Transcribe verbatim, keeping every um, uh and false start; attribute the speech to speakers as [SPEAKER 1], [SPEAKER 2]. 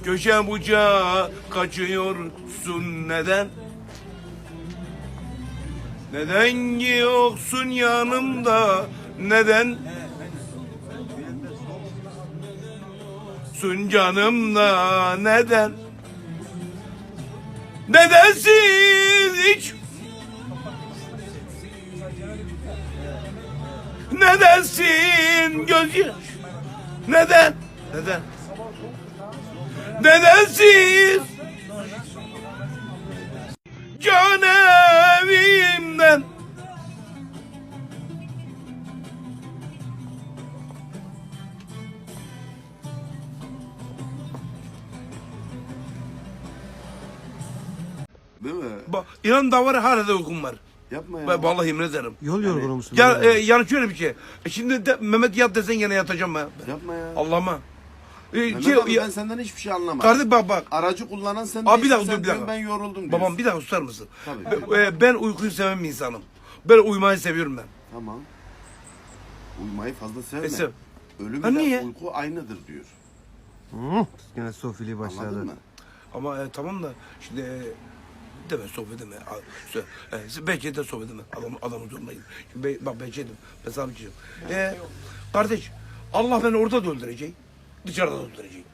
[SPEAKER 1] Köşe bucağa kaçıyorsun neden? Neden yoksun yanımda? Neden? Sun canımda neden? Nedensiz hiç? Nedensin gözyaş? Neden? Neden? Nedensiz? Can evimden.
[SPEAKER 2] Değil mi?
[SPEAKER 1] Bak inan da var hala da uykum var.
[SPEAKER 2] Yapma ya.
[SPEAKER 1] Ben vallahi yemin ederim.
[SPEAKER 3] Yol yorgunu musun?
[SPEAKER 1] Ya
[SPEAKER 3] böyle?
[SPEAKER 1] e, yani şöyle bir şey. E, şimdi de, Mehmet yat desen gene yatacağım ben.
[SPEAKER 2] Yapma ya.
[SPEAKER 1] Allah'ıma. E,
[SPEAKER 2] Mehmet
[SPEAKER 1] şey,
[SPEAKER 2] abi
[SPEAKER 1] ya,
[SPEAKER 2] ben senden hiçbir şey anlamadım.
[SPEAKER 1] kardeş bak bak.
[SPEAKER 2] Aracı kullanan sen
[SPEAKER 1] Abi bir
[SPEAKER 2] değilsin,
[SPEAKER 1] dakika,
[SPEAKER 2] sen
[SPEAKER 1] dur, bir
[SPEAKER 2] diyorsun,
[SPEAKER 1] dakika.
[SPEAKER 2] ben yoruldum diyorsun.
[SPEAKER 1] Babam bir dakika susar mısın?
[SPEAKER 2] Tabii.
[SPEAKER 1] E, e, ben uykuyu seven bir insanım. Ben uyumayı seviyorum ben.
[SPEAKER 2] Tamam. Uyumayı fazla sevme.
[SPEAKER 1] E, sev.
[SPEAKER 2] Ölüm
[SPEAKER 1] Ha,
[SPEAKER 2] ile
[SPEAKER 1] niye?
[SPEAKER 2] uyku aynıdır diyor.
[SPEAKER 3] Hı, Gene sofili başladı.
[SPEAKER 2] Anladın mı?
[SPEAKER 1] Ama e, tamam da şimdi e, deme sohbet edeme. A- sö- E, belki de sohbet edeme. Adam, adamın zoruna gidin. Şimdi be, bak belki dedim. Ben sana bir şey diyeyim. E, kardeş Allah beni orada da öldürecek. Dışarıda da öldürecek.